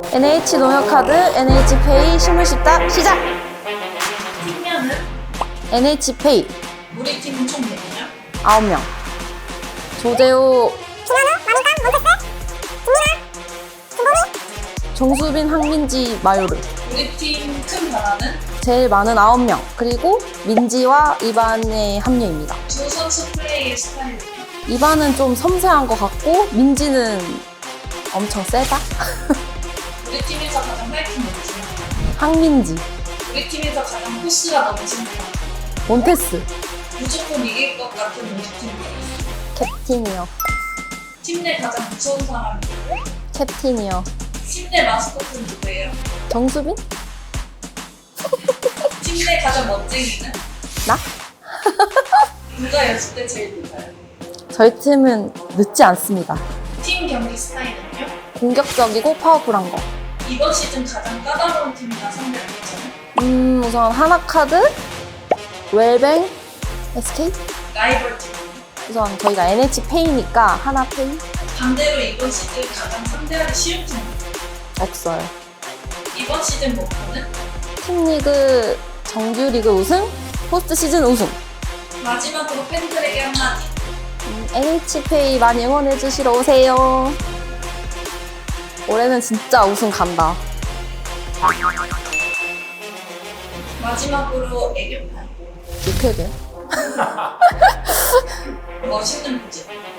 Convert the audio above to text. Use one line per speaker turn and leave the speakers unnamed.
NH농협카드, NH페이 실물십자 시작!
팀명은?
NH페이
우리 팀은 총 몇 명?
9명. 조재호, 정수빈, 황민지, 마요르.
우리 팀 큰 변화는?
제일 많은 9명. 그리고 민지와 이반의 합류입니다.
두 선수 플레이의 스타일은?
이반은 좀 섬세한 것 같고 민지는 엄청 세다?
우리 팀에서 가장 파이팅 넘치는?
황민지,
우리 팀에서 가장 포스가 넘치는?
몬테스,
무조건 이길 것 같은 우리 팀이에요.
캡틴이요.
팀 내 가장 무서운 사람이?
캡틴이요.
팀 내 마스코트는 누구예요?
정수빈?
팀 내 가장 멋쟁이는?
나?
누가 연습 때 제일 늦어요?
저희 팀은 늦지 않습니다.
팀 경기 스타일은요?
공격적이고 파워풀한 거.
이번 시즌 가장 까다로운 팀이나 상대 누구죠?
우선 하나카드, 웰뱅, SK?
라이벌 팀.
우선 저희가 NH페이니까 하나페이?
반대로 이번 시즌 가장 상대하기 쉬운 팀.
없어요.
이번 시즌 목표는?
팀리그, 정규리그 우승, 포스트 시즌 우승.
마지막으로 팬들에게 한마디.
NH페이 많이 응원해주시러 오세요. 올해는 진짜 우승 간다.
마지막으로 애교판.
이렇게 돼?
멋있는 부제.